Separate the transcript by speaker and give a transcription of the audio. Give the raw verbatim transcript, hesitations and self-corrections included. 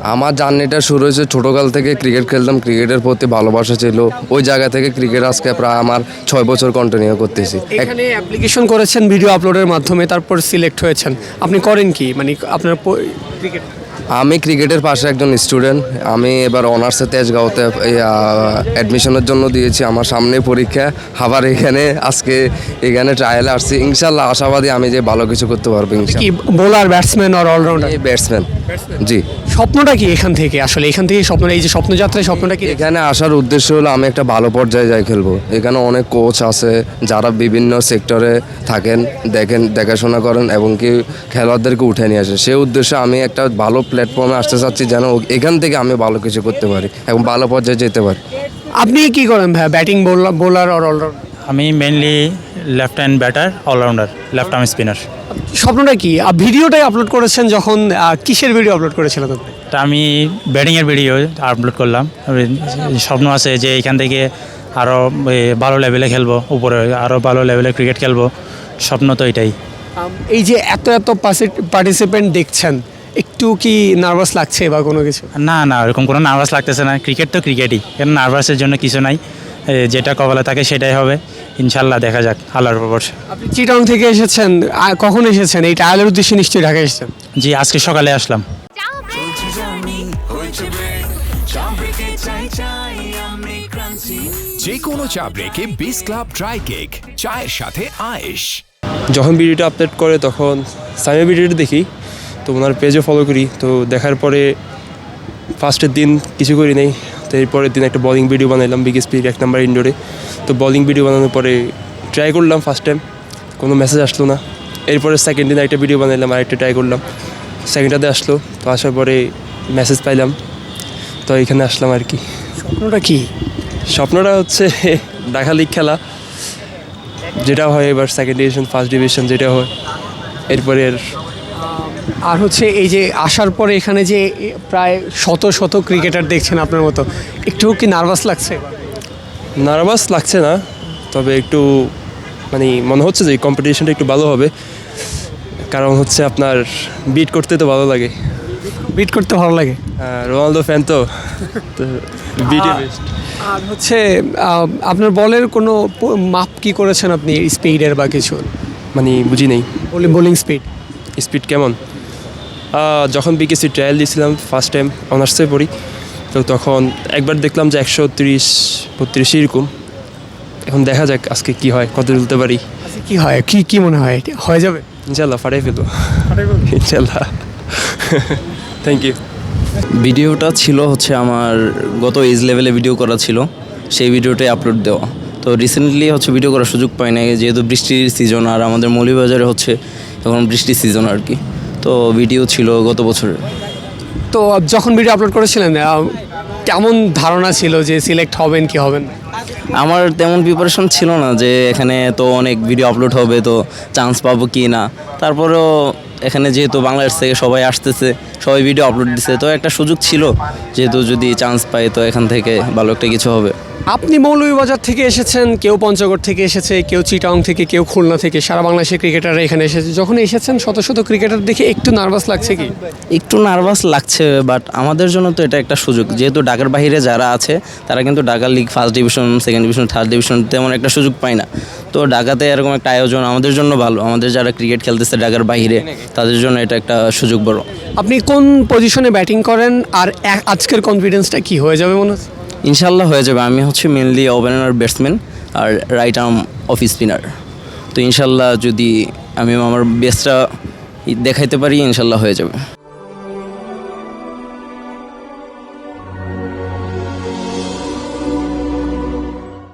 Speaker 1: আমার জার্নিটা শুরু হয়েছে ছোটোকাল থেকে। ক্রিকেট খেলতাম, ক্রিকেটের প্রতি ভালোবাসা ছিল। ওই জায়গা থেকে ক্রিকেট আজকে প্রায় আমার ছয় বছর কন্টিনিউ করতেছি।
Speaker 2: এখানে অ্যাপ্লিকেশন করেছেন ভিডিও আপলোডের মাধ্যমে, তারপর সিলেক্ট হয়েছেন। আপনি করেন কি, মানে আপনার ক্রিকেট?
Speaker 1: আমি ক্রিকেটের পাশে একজন স্টুডেন্ট। আমি এবার অনার্সে তেজগাঁওতে অ্যাডমিশনের জন্য দিয়েছি। আমার সামনে পরীক্ষা, আবার এখানে আজকে এখানে ট্রায়ালে আসছি। ইনশাল্লাহ আশাবাদী আমি যে ভালো কিছু করতে পারবো।
Speaker 2: কি বোলার, ব্যাটসম্যান আর অলরাউন্ডার?
Speaker 1: ব্যাটসম্যান। জি।
Speaker 2: স্বপ্নটা কি এখান থেকে, আসলে এখান থেকে স্বপ্নটা, এই যে স্বপ্নযাত্রায় স্বপ্নটা কি?
Speaker 1: এখানে আসার উদ্দেশ্য হলো আমি একটা ভালো পর্যায়ে যাই খেলবো। এখানে অনেক কোচ আছে যারা বিভিন্ন সেক্টরে থাকেন, দেখেন, দেখাশোনা করেন এবং কি খেলোয়াড়দেরকে উঠে নিয়ে আসে। সেই উদ্দেশ্যে আমি একটা ভালো প্ল্যাটফর্মে আসতে চাচ্ছি, যেন এখান থেকে আমি ভালো কিছু করতে পারি এবং ভালো পর্যায়ে যেতে পারি।
Speaker 2: আপনি কি করেন ভাই, ব্যাটিং, বোলার আর অলরাউন্ডার?
Speaker 3: আমি mainly left hand batter, allrounder, left arm spinner.
Speaker 2: স্বপ্নটা কি? ভিডিওটাই আপলোড করেছেন যখন, কিসের ভিডিও আপলোড করেছিলেন আপনি?
Speaker 3: তা আমি ব্যাটিংয়ের ভিডিও আপলোড করলাম। স্বপ্ন আছে যে এখান থেকে আরও ভালো লেভেলে খেলবো, উপরে আরও ভালো লেভেলে ক্রিকেট খেলবো। স্বপ্ন তো এটাই।
Speaker 2: এই যে এত এত পার্টিসিপেন্ট দেখছেন, একটু কি নার্ভাস লাগছে বা কোনো কিছু?
Speaker 3: না না, ওরকম কোনো নার্ভাস লাগতেছে না। ক্রিকেট তো ক্রিকেটই, কেন নার্ভাসের জন্য কিছু নাই। যেটা কপালে থাকে সেটাই হবে ইনশাল্লাহ। দেখা যাক আল্লাহর উপর।
Speaker 2: আপনি চিটং থেকে এসেছেন, কখন এসেছেন? এই ট্রায়ালের উদ্দেশ্যে নিশ্চয়ই ঢাকা এসেছেন?
Speaker 3: জি, আজকে সকালে আসলাম।
Speaker 4: যে কোনো চা ব্রেকে বিস ক্লাব ড্রাই কেক, চায়ের সাথে আয়েশ।
Speaker 5: যখন ভিডিওটা আপলোড করে তখন সামিয়া ভিডিওটা দেখি, তো ওনার পেজও ফলো করি। তো দেখার পরে ফার্স্টের দিন কিছু করি নাই, তো এরপরের দিন একটা বলিং ভিডিও বানাইলাম বিকেএসপির এক নাম্বার ইনডোরে। তো বলিং ভিডিও বানানোর পরে ট্রাই করলাম, ফার্স্ট টাইম কোনো মেসেজ আসলো না। এরপরে সেকেন্ড দিন একটা ভিডিও বানাইলাম, আরেকটা ট্রাই করলাম, সেকেন্ডটাতে আসলো। তো আসার পরে মেসেজ পাইলাম, তো এখানে আসলাম আর কি।
Speaker 2: স্বপ্নটা কি?
Speaker 5: স্বপ্নটা হচ্ছে ঢাকা লিগ খেলা, যেটা হয় এবার সেকেন্ড ডিভিশন, ফার্স্ট ডিভিশন যেটা হয়। এরপরে
Speaker 2: আর হচ্ছে এই যে আসার পরে এখানে যে প্রায় শত শত ক্রিকেটার দেখছেন আপনার মতো, একটু কি নার্ভাস লাগছে?
Speaker 5: নার্ভাস লাগছে না, তবে একটু মানে মনে হচ্ছে যে কম্পিটিশনটা একটু ভালো হবে। কারণ হচ্ছে আপনার বিট করতে তো ভালো লাগে।
Speaker 2: বিট করতে ভালো লাগে?
Speaker 5: রোনালদো ফ্যান তো, বিটে বেস্ট।
Speaker 2: আর হচ্ছে আপনার বলের কোনো মাপ কি করেছেন আপনি, স্পিডের বা কিছু?
Speaker 5: মানে বুঝি নেই।
Speaker 2: Bowling speed?
Speaker 5: স্পিড কেমন? যখন বিকেসি ট্রায়াল দিয়েছিলাম ফার্স্ট টাইম, অনার্সে পড়ি, তো তখন একবার দেখলাম যে একশো তিরিশ বত্রিশ এরকম। এখন দেখা যাক আজকে কি হয়, কত তুলতে পারি।
Speaker 2: কি হয়, কি কি মনে হয় হয়ে যাবে?
Speaker 5: ইনশাল্লাহ ফাটাই ফেলবো, ইনশাল্লাহ। Thank you.
Speaker 6: ভিডিওটা ছিল হচ্ছে আমার গত এজ লেভেলে ভিডিও করা ছিল, সেই ভিডিওটাই আপলোড দেওয়া। তো রিসেন্টলি হচ্ছে ভিডিও করার সুযোগ পাই না, যেহেতু বৃষ্টির সিজন, আর আমাদের মৌলভীবাজারে হচ্ছে এখন বৃষ্টির সিজন আর কি। তো ভিডিও ছিল গত বছরের।
Speaker 2: তো যখন ভিডিও আপলোড করেছিলেন কেমন ধারণা ছিল যে সিলেক্ট হবেন কি হবেন?
Speaker 6: আমার তেমন প্রিপারেশন ছিল না যে এখানে তো অনেক ভিডিও আপলোড হবে, তো চান্স পাবো কি না। তারপরেও এখানে যেহেতু বাংলাদেশ থেকে সবাই আসতেছে, সবাই ভিডিও আপলোড দিচ্ছে, তো একটা সুযোগ ছিল যেহেতু যদি চান্স পাই তো এখান থেকে ভালো একটা কিছু হবে।
Speaker 2: আপনি মৌলভীবাজার থেকে এসেছেন, কেউ পঞ্চগড় থেকে এসেছে, কেউ চিটাং থেকে, কেউ খুলনা থেকে, সারা বাংলাদেশের ক্রিকেটাররা এখানে এসেছে। যখন এসেছেন শত শত ক্রিকেটার দেখে একটু নার্ভাস লাগছে কি?
Speaker 6: একটু নার্ভাস লাগছে, বাট আমাদের জন্য তো এটা একটা সুযোগ। যেহেতু ঢাকার বাইরে যারা আছে তারা কিন্তু Dhaka league first division, second division, third division তেমন একটা সুযোগ পায় না। তো ঢাকাতে এরকম একটা আয়োজন আমাদের জন্য ভালো। আমাদের যারা ক্রিকেট খেলতেছে ঢাকার বাইরে, তাদের জন্য এটা একটা সুযোগ বড়।
Speaker 2: আপনি কোন পজিশনে ব্যাটিং করেন আর আজকের কনফিডেন্সটা কি হয়ে যাবে মনে হচ্ছে?
Speaker 6: ইনশাল্লাহ হয়ে যাবে। আমি হচ্ছে মেনলি ওপেনার, ব্যাটসম্যান আর রাইট আর্ম অফ স্পিনার। তো ইনশাল্লাহ যদি আমি আমার বেস্টটা দেখাইতে পারি ইনশাল্লাহ হয়ে যাবে।